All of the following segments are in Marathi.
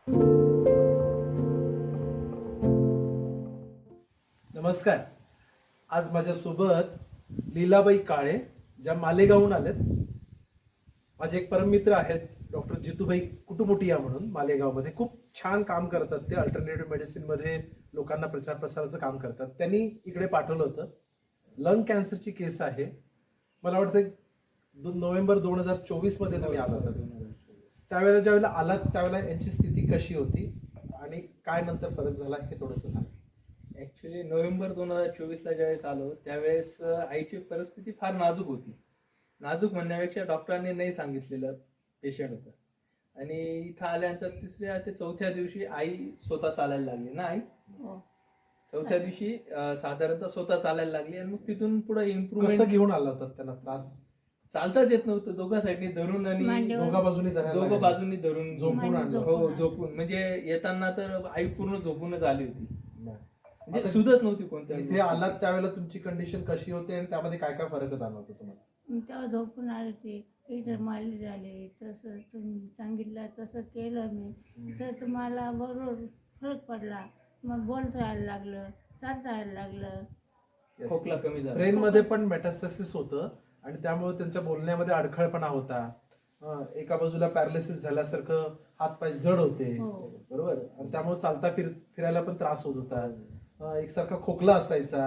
नमस्कार. आज माझ्यासोबत लीलाबाई काळे, ज्या मालेगावहून आलेत. माझे एक परममित्र आहेत डॉक्टर जितूभाई कुटुमुटिया म्हणून, मालेगावमध्ये खूप छान काम करतात. ते अल्टरनेटिव्ह मेडिसिनमध्ये लोकांना प्रचार प्रसाराचं काम करतात. त्यांनी इकडे पाठवलं होतं. लंग कॅन्सरची केस आहे. मला वाटतं नोव्हेंबर 2024 मध्ये तुम्ही आला होता. त्यावेळेला ज्यावेळेला आलात त्यावेळेला यांची स्थिती कशी होती आणि काय नंतर फरक झाला हे थोडंसं सांगा. ऍक्च्युली नोव्हेंबर 2024ला ज्यावेळेस आलो त्यावेळेस आईची परिस्थिती फार नाजूक होती. नाजूक म्हणण्यापेक्षा डॉक्टरांनी नाही सांगितलेलं पेशंट होतं. आणि इथं आल्यानंतर तिसऱ्या ते चौथ्या दिवशी आई स्वतः चालायला लागली ना आई. चौथ्या दिवशी साधारणतः स्वतः चालायला लागली आणि मग तिथून पुढे इम्प्रूव्हमेंट. कसं घेऊन आला होता त्यांना त्रास? चालताच येत नव्हतं. दोघा साईडनी धरून आणि दोघा बाजूनी धरून झोपून आणलं. हो, झोपून. म्हणजे येताना तर आई पूर्ण झोपूनच आली होती. म्हणजे सुधत नव्हती कोणत्या. इथे आलात त्यावेळेला तुमची कंडिशन कशी होती आणि त्यामध्ये काय काय फरक जाणवतो तुम्हाला? तेव्हा झोपून आले ते इथं मारले झाले. तसं तुम्ही सांगितलं तसं केलं मी, तर तुम्हाला बरोबर फरक पडला. मग बोलता यायला लागलं, चालता यायला लागलं. खोकला कमी झाला. ब्रेन मध्ये पण मेटास्टॅसिस होतं आणि त्यामुळे त्यांच्या बोलण्यामध्ये अडखळपणा होता. एका बाजूला पॅरालिसिस झाल्यासारखं हातपाय जड होते. बरोबर. आणि त्यामुळे चालता फिरायला पण त्रास होत होता. एकसारखा खोकला असायचा.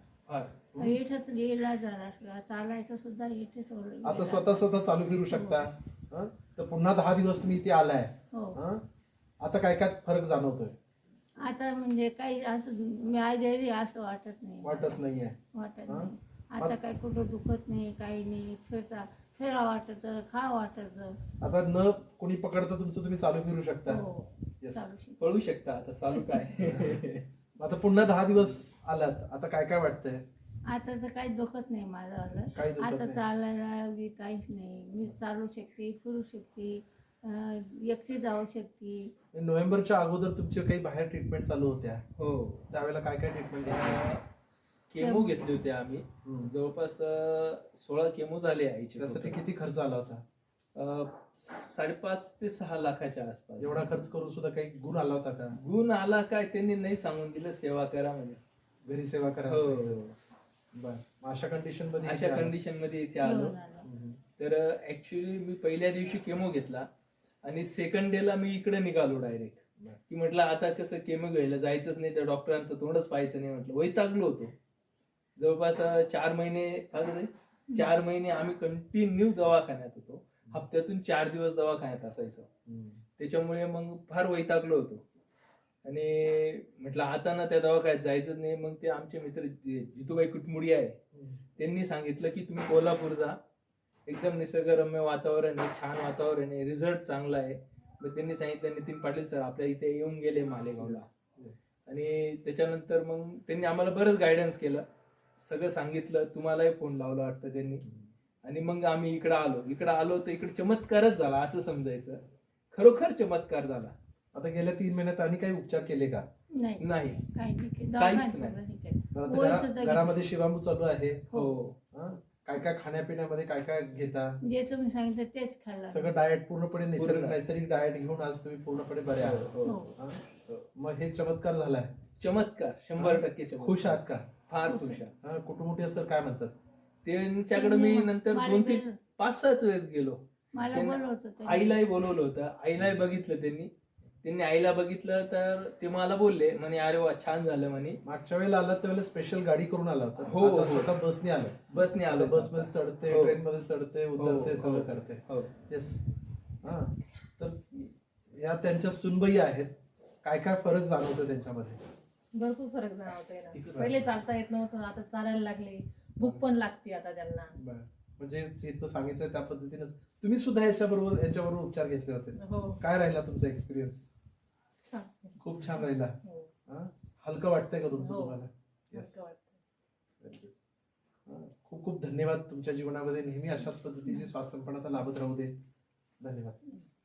इथंच गेला झाला, चालायचं सुद्धा इथेच. आता स्वतः चालू फिरू शकता. तर पुन्हा 10 दिवस तुम्ही इथे आलाय. आता काय काय फरक जाणवतोय? आता म्हणजे काही असं मी आजारी असं वाटत नाही. वाटत नाहीये. आता काही कुठं दुखत नाही, काही नाही. फिरा वाटत, खा वाटत. आता न कोणी पकडता तुमचं तुम्ही चालू फिरू शकता. पळू शकता. आता चालू काय. आता पुन्हा 10 दिवस आलात. आता काय काय वाटतंय? आता तर काही दुखत नाही माझं. आता चालायला बी काहीच नाही. मी चालू शकते, फिरू शकते, एकटी जाऊ शकते. नोव्हेंबरच्या अगोदर तुमचे काही बाहेर ट्रीटमेंट चालू होत्या? हो. त्यावेळेला काय काय ट्रीटमेंट? केमो घेतले होते आम्ही. जवळपास 16 केमो झाले आईचे. त्यासाठी किती खर्च आला होता? 5.5 ते 6 लाखाच्या आसपास. एवढा खर्च करून सुद्धा काही गुण आला होता का? गुण आला काय त्यांनी नाही सांगून दिलं, सेवा करा म्हणजे. घरी सेवा करा. बर. अशा कंडिशन मध्ये इथे आलो. तर ऍक्च्युली मी पहिल्या दिवशी केमो घेतला आणि सेकंड डेला मी इकडे निघालो डायरेक्ट. की म्हटलं आता कसं केमो घ्यायला जायचंच नाही, त्या डॉक्टरांचं तोंडच पाहायचं नाही. म्हटलं वैतागलो होतो. जवळपास 4 महिने आम्ही कंटिन्यू दवाखान्यात होतो. हप्त्यातून 4 दिवस दवाखान्यात असायचं. त्याच्यामुळे मग फार वैतागलो होतो आणि म्हटलं आता ना त्या दवाखान्यात जायचंच नाही. मग ते आमचे मित्र जितूबाई कुटमुडिया आहे, त्यांनी सांगितलं की तुम्ही कोल्हापूर जा, एकदम निसर्गरम्य वातावरण आहे, छान वातावरण आहे, रिझल्ट चांगला आहे. मग त्यांनी सांगितलं नितीन पाटील सर आपल्या इथे येऊन गेले मालेगावला. आणि त्याच्यानंतर मग त्यांनी आम्हाला बरंच गायडन्स केलं, सगळं सांगितलं. तुम्हालाही फोन लावला वाटतं त्यांनी. आणि मग आम्ही इकडं आलो तर इकडे चमत्कारच झाला असं समजायचं. खरोखर चमत्कार झाला. आता गेल्या 3 महिन्यात आणि काही उपचार केले का? नाही, काहीच नाही. घरामध्ये शिवामू चालू आहे. हो. काय काय खाण्यापिण्यामध्ये काय काय घेता? जे तुम्ही सांगितलं तेच खाल्लं. सगळं डाएट पूर्णपणे नैसर्गिक डाएट घेऊन आज तुम्ही पूर्णपणे बरे आहात. मग हे चमत्कार झालाय. चमत्कार 100% चमत्कार. खुश आहात का? फार खुश आहे. कुटुंबीय सर काय म्हणतात? त्यांच्याकडे मी नंतर 2-3 5-6 वेळेस गेलो. आईलाही बोलवलं होतं. आईलाही बघितलं त्यांनी आईला बघितलं तर ते मला बोलले म्हणे अरे वा छान झालं म्हणे. मागच्या वेळेला आला त्यावेळेला स्पेशल गाडी करून आला होता. हो. स्वतः बसने आलो. बसमध्ये चढते, ट्रेन मध्ये चढते, उतरते, सगळं करते. येस. तर या त्यांच्या सुनबाई आहेत. काय काय फरक जाणवतो त्यांच्यामध्ये? भरपूर फरक जाणवतोय ना. पहिले चालता येत नव्हतं, आता चालायला लागले. भूक पण लागते आता त्यांना. म्हणजे सांगितलं त्या पद्धतीने तुम्ही सुद्धा यांच्याबरोबर उपचार घेतले होते. काय राहिला तुमचा एक्सपिरियन्स? खूप छान राहिला. हलकं वाटतंय का तुमचं तुम्हाला? येस. खूप खूप धन्यवाद. तुमच्या जीवनामध्ये नेहमी अशाच पद्धतीची स्वास्थ्यपणाचा लाभत राहू दे. धन्यवाद.